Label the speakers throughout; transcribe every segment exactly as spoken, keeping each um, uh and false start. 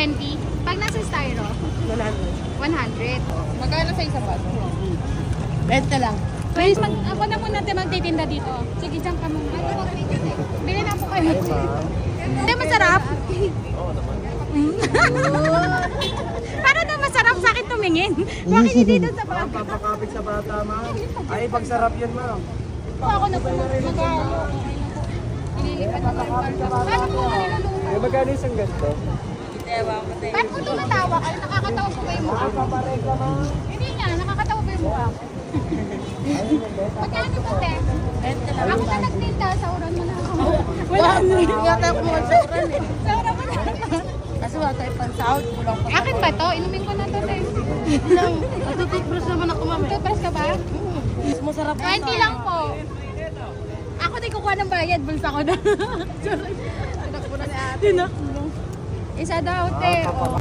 Speaker 1: twenty. Pag nasa styro,
Speaker 2: one hundred.
Speaker 1: one hundred.
Speaker 3: Magkano sa isang baso?
Speaker 2: twenty lang.
Speaker 1: Pwede, mag, ako na muna natin magtitinda dito. Sige, dyan ka muna. Bili na po kayo. Hindi, masarap. Para na masarap sa akin tumingin. Bakit hindi doon sa bata?
Speaker 4: Papakapit sa bata, ma'am. Ay, pagsarap yun, ma'am.
Speaker 1: Ako na po mag-alo. Ililipat ko yung parto. Paano po nga niluluto?
Speaker 4: Ay, magkano isang ganito?
Speaker 1: Ba't po tumatawa ka? Nakakatawa po ba yung mukha?
Speaker 4: Papareka, ma'am.
Speaker 1: Hindi nga, nakakatawa ba yung mukha? Magkano po, te? Ako na nagtinda, sauran mo na ako.
Speaker 2: Wala na. Wala tayo kumuha sa uran eh.
Speaker 1: Sauran mo na.
Speaker 2: Kasi wala tayo pansahod. Kulang pa.
Speaker 1: Akin ba to? Inumin ko na to, te.
Speaker 2: Lang. Natututbrush naman ako, ma'am.
Speaker 1: Toothbrush ka ba?
Speaker 2: Mas masarap pa
Speaker 1: twenty lang po. Ako din kukuha ng bayad, bulsa ko na.
Speaker 2: Tinakbo na ni ate.
Speaker 1: Tinakbo. Isa daw, te. Oh.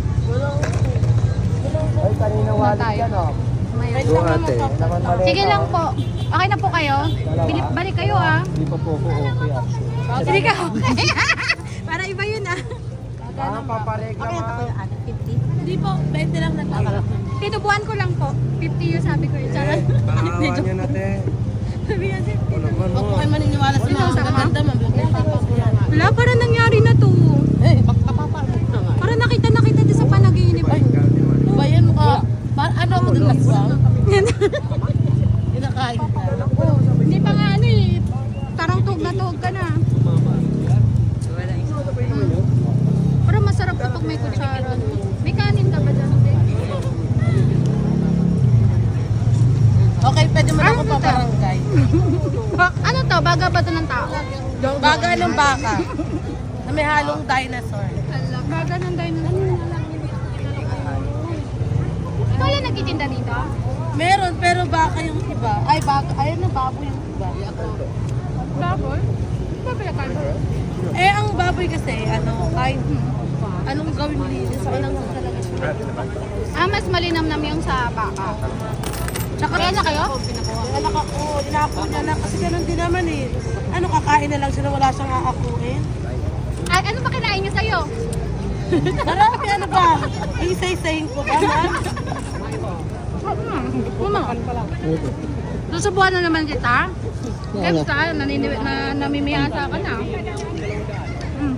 Speaker 4: Ay, kanina wallet
Speaker 1: tayo?
Speaker 4: yan, oh.
Speaker 1: Mayroon.
Speaker 4: Doon, ate. Naman mali.
Speaker 1: Sige lang po. Okay na po kayo? Bilip, balik kayo ah.
Speaker 4: Hindi pa po po okay, ah.
Speaker 1: Hindi ka okay. Para iba yun ah.
Speaker 4: Ah, papareka, ma'am.
Speaker 2: Hindi po, twenty lang nagkakalap.
Speaker 1: Tinubuan ko lang po. fifty yung sabi ko yun. Charot.
Speaker 4: Pangawan niya natin.
Speaker 1: Sabi yan.
Speaker 4: Ako naman,
Speaker 2: Huwag po
Speaker 4: oh.
Speaker 2: kayo maniniwala sa mga maganda, ma'am. Huwag kayo papapulan.
Speaker 1: Wala, para nangyari na to.
Speaker 2: Eh, magpapapalot na nga.
Speaker 1: Para nakita nakita din sa panaginip.
Speaker 2: Ay, ba yan mukha? Pa- ano ako dun laswang? Kinakain ka.
Speaker 1: Hindi pa nga ano eh. Tarang tuhog na tuhog ka na. Pero masarap kapag may kutsara. May kanin ka ba dyan? te?
Speaker 2: Okay, pwede mo na
Speaker 1: Ano
Speaker 2: ako
Speaker 1: to?
Speaker 2: paparangay.
Speaker 1: Ba- ano to? Baga ba to ng tao?
Speaker 2: Baga ng baka. Na may halong dinosaur.
Speaker 1: Ala, baga ng dinosaur. Ikaw lang nagtitinda dito?
Speaker 2: Meron, pero baka yung iba. Ay, baka. Ayun na, baboy yung iba.
Speaker 1: Baboy? Ba pala
Speaker 2: Eh, ang baboy kasi, ano, kahit anong gawin linis, walang talaga siya.
Speaker 1: Ah, mas malinamnam yung sa baka.
Speaker 2: Tsaka
Speaker 1: Kaya na kayo?
Speaker 2: Anak ako, inaako niya na kasi ganun din naman eh. Ano, kakain na lang siya na wala siyang aakuin.
Speaker 1: Ay, ano ba kinain niya sa'yo?
Speaker 2: Marami, ano ba? Isa-isayin ko ba, ma'am?
Speaker 1: Mama. Susubuhan na naman kita. Next time, naniniwi, na, namimiyasa ka na. Mm.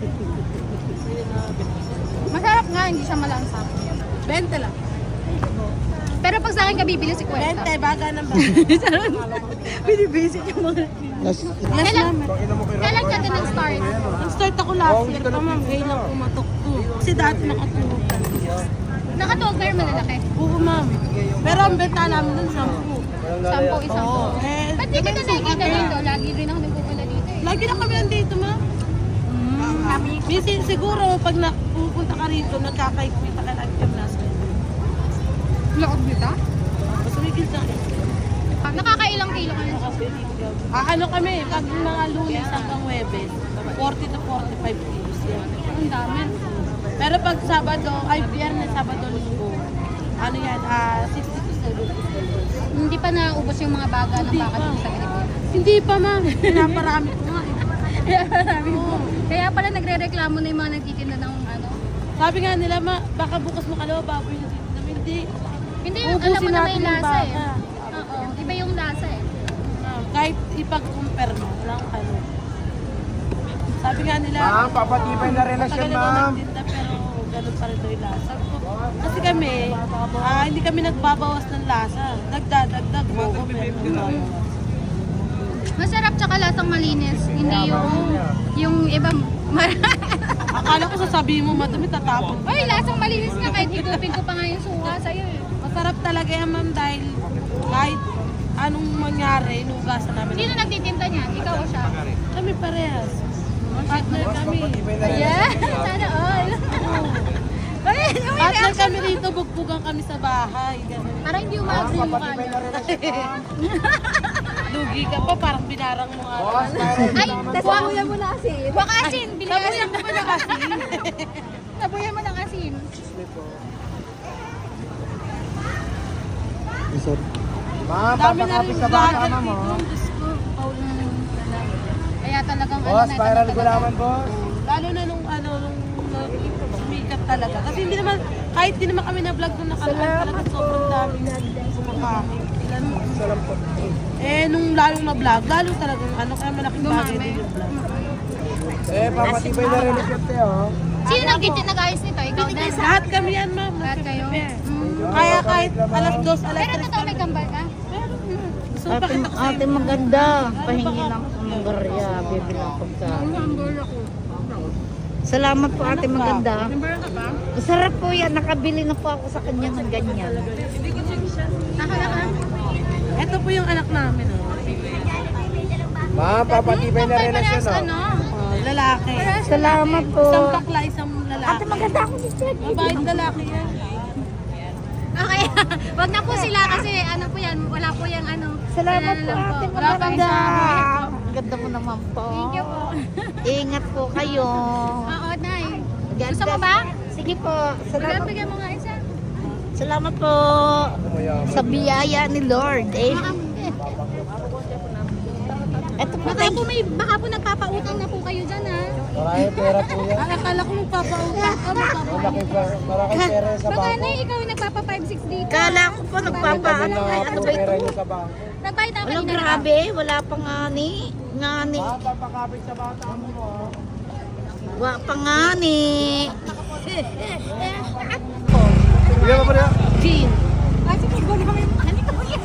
Speaker 1: Masarap nga, hindi siya malansak.
Speaker 2: twenty lang.
Speaker 1: Pero pag sa akin ka bibili si Kwenta.
Speaker 2: twenty, baga ng baga.
Speaker 1: Binibisit yung mga...
Speaker 2: Yes,
Speaker 1: Kailan,
Speaker 2: ma'am.
Speaker 1: kailan ka din nag-start?
Speaker 2: Nag-start ako last year pa, ma'am. Ngayon lang pumatok ko. Kasi dati nakatulog ka.
Speaker 1: Nakatuwag pero malalaki.
Speaker 2: Oo, ma'am. Pero ang benta namin dun, sampu.
Speaker 1: Sampo, isang po.
Speaker 2: Eh,
Speaker 1: Ba't di kita nakikita dito? Lagi rin ako nagpupunta dito eh.
Speaker 2: lagi na kami nandito, ma'am.
Speaker 1: Kami.
Speaker 2: Minsan siguro, pag napupunta ka rito, nagkakaikita ka lang yung nasa.
Speaker 1: Loob dito?
Speaker 2: Mas may gilsa.
Speaker 1: Nakakailang kilo ka na.
Speaker 2: Ah, ano kami, pag mga lunes hanggang Webes, forty to forty-five kilos yan.
Speaker 1: Ang dami.
Speaker 2: Pero pag Sabado, ay Biyernes, Sabado, Linggo, ano yan, ah, sixty to seventy kilos.
Speaker 1: Hindi pa naubos yung mga baga ng
Speaker 2: Hindi
Speaker 1: baka
Speaker 2: pa.
Speaker 1: dito sa Pilipinas.
Speaker 2: Hindi pa, ma'am. Pinaparami ko nga eh.
Speaker 1: Kaya marami po. Kaya pala nagre-reklamo na yung mga nagtitinda ng ano.
Speaker 2: Sabi nga nila, ma, baka bukas makalawa, baboy na dito. Namin, hindi.
Speaker 1: Hindi, alam mo
Speaker 2: Ubusin
Speaker 1: na may
Speaker 2: natin yung
Speaker 1: lasa eh.
Speaker 2: baka.
Speaker 1: Oo, iba yung lasa eh.
Speaker 2: Ma'am, kahit ipag-compare mo, walang ano. Sabi nga nila,
Speaker 4: Ma'am, papatibay na relasyon,
Speaker 2: matagal ako
Speaker 4: ma'am.
Speaker 2: nagtinda, pero ganun pa rin daw yung lasa. Sabi ko, kasi kami, ah, hindi kami nagbabawas ng lasa. Nagdadagdag mo ko, pero nagbabawas.
Speaker 1: Masarap tsaka lasang malinis. Hindi yung, yung iba, mar-
Speaker 2: Akala ko sasabihin mo, madami tatapon.
Speaker 1: Ay, lasang malinis nga kahit higupin ko pa nga yung suka sa'yo eh.
Speaker 2: Masarap talaga yan, ma'am, dahil kahit anong mangyari, inugasan namin.
Speaker 1: Sino nagtitinda niyan? Ikaw o siya?
Speaker 2: Kami parehas. Partner kami.
Speaker 4: Papatibay na relasyon.
Speaker 1: Yeah, sana all. Ay, yung may
Speaker 2: Partner
Speaker 1: reaction
Speaker 2: kami rito, bugbugan kami sa bahay. Ganun.
Speaker 1: Parang hindi
Speaker 4: Ma'am,
Speaker 1: umabot yung mukha
Speaker 4: papatibay
Speaker 1: niyo.
Speaker 4: na relasyon, ma'am.
Speaker 2: Lugi ka pa, parang binarang mo nga.
Speaker 4: Boss, mayroon
Speaker 1: Ay,
Speaker 4: naman
Speaker 1: tas
Speaker 4: po.
Speaker 1: wakuya mo na asin. Waka asin, bili ka
Speaker 2: Sabuyan mo ba na kasi?
Speaker 1: Sabuyan mo ng asin.
Speaker 4: Ma'am,
Speaker 2: Dami na
Speaker 4: papakapit
Speaker 2: rin
Speaker 4: sa bata,
Speaker 2: vlogger
Speaker 4: ma'am,
Speaker 2: dito.
Speaker 4: oh.
Speaker 2: Diyos ko, Paulan na lang.
Speaker 1: Kaya talagang
Speaker 4: Boss,
Speaker 1: na,
Speaker 4: viral
Speaker 1: talagang-
Speaker 4: gulaman, boss.
Speaker 2: Lalo na nung ano, nung nung sumikat talaga. Kasi hindi naman, kahit di naman kami na-vlog nung nakaraan talaga, sobrang daming kumakain. Ilan mo? Eh, nung lalong na-vlog, lalong talagang ano, kaya malaking bagay din yung vlog.
Speaker 4: Eh, papatibay na rin yung te, oh.
Speaker 1: Sino nag-gitid nag-ayos nito? Ikaw din?
Speaker 2: Lahat kami yan, ma'am.
Speaker 1: Lahat kayo?
Speaker 2: Nag-prepare.
Speaker 1: Mm.
Speaker 2: Kaya kahit alas dos, alas
Speaker 1: Pero
Speaker 2: tres
Speaker 1: totoo may kambal ka?
Speaker 2: So,
Speaker 3: Ate,
Speaker 2: pakita ko
Speaker 3: ate
Speaker 2: sa'yo.
Speaker 3: maganda. Pahingi ng manggarya. Bibili ng pagkain.
Speaker 1: Hambal ako.
Speaker 3: Salamat po ate maganda.
Speaker 1: Hambal ka ba?
Speaker 3: Masarap po yan. Nakabili na po ako sa kanya ng ganyan.
Speaker 1: Nakala ka?
Speaker 2: Ito po yung anak namin, oh.
Speaker 4: Ma'am, papatibay na rin
Speaker 1: Parehas
Speaker 4: oh.
Speaker 1: ano?
Speaker 2: Oh, lalaki.
Speaker 3: Salamat po.
Speaker 2: Isang bakla, isang lalaki.
Speaker 3: Ate maganda ako ni Ted.
Speaker 2: Mabait lalaki yan.
Speaker 1: Okay, wag na po sila kasi ano po yan, wala po yung ano.
Speaker 3: Salamat
Speaker 1: ano
Speaker 3: po
Speaker 1: lang
Speaker 3: ate
Speaker 1: Wala pang
Speaker 3: maganda.
Speaker 1: isa.
Speaker 3: Ganda mo naman po.
Speaker 1: Thank you po.
Speaker 3: Ingat po kayo.
Speaker 1: Oo, Nay.
Speaker 3: God
Speaker 1: Gusto mo
Speaker 3: bless.
Speaker 1: ba?
Speaker 3: Sige po. Salamat,
Speaker 1: Bigyan mo nga isa.
Speaker 3: salamat po sa biyaya ni Lord. Eh. Ito po
Speaker 1: Baka po may baka po nagpapautang na po kayo diyan ha.
Speaker 4: Marami pera po yan.
Speaker 2: Ah, akala ko magpapautang ka, magpapautang.
Speaker 4: Malaki pera, marami pera sa
Speaker 1: Baka
Speaker 4: bangko.
Speaker 1: Nay, ikaw yung nagpapa five six dito.
Speaker 3: Kala ko po nagpapaano.
Speaker 4: Tabi
Speaker 3: Ay,
Speaker 4: na
Speaker 3: ano
Speaker 4: po
Speaker 3: ba
Speaker 4: pera
Speaker 3: ito?
Speaker 4: niyo sa bangko.
Speaker 1: Nagbayad ako
Speaker 3: Wala,
Speaker 1: kanina.
Speaker 3: grabe. Wala pa nga ni. Nga ni.
Speaker 4: Ma'am, papakapit sa bata mo, oh.
Speaker 3: Wala pa nga ni.
Speaker 4: Bigyan mo pa rin.
Speaker 3: Jean.
Speaker 1: Kasi pag wala kami ano ko yan.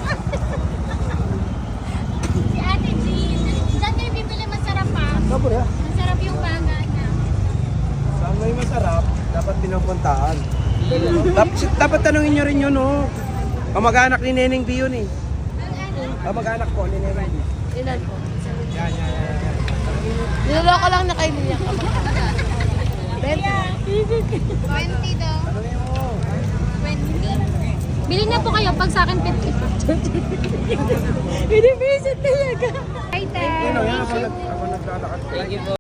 Speaker 1: Si Ate Jean. Diyan kayo bibili masarap ha.
Speaker 4: Ikaw po rin.
Speaker 1: Masarap yung banga niya.
Speaker 4: Saan may masarap, dapat pinupuntaan. dapat, dapat tanungin nyo rin yun, oh. Kamag-anak ni Neneng B yun, eh. Kamag-anak po ni Neneng B.
Speaker 2: Ilan po?
Speaker 4: Yan, yan, yan, yan.
Speaker 2: Niloloko lang na kayo niya.
Speaker 1: twenty daw. twenty. Bili na po kayo pag sa akin fifty. Binibisit talaga. Hi, Ted.
Speaker 4: Yan, oh, yan. Ako, nag, ako naglalakad.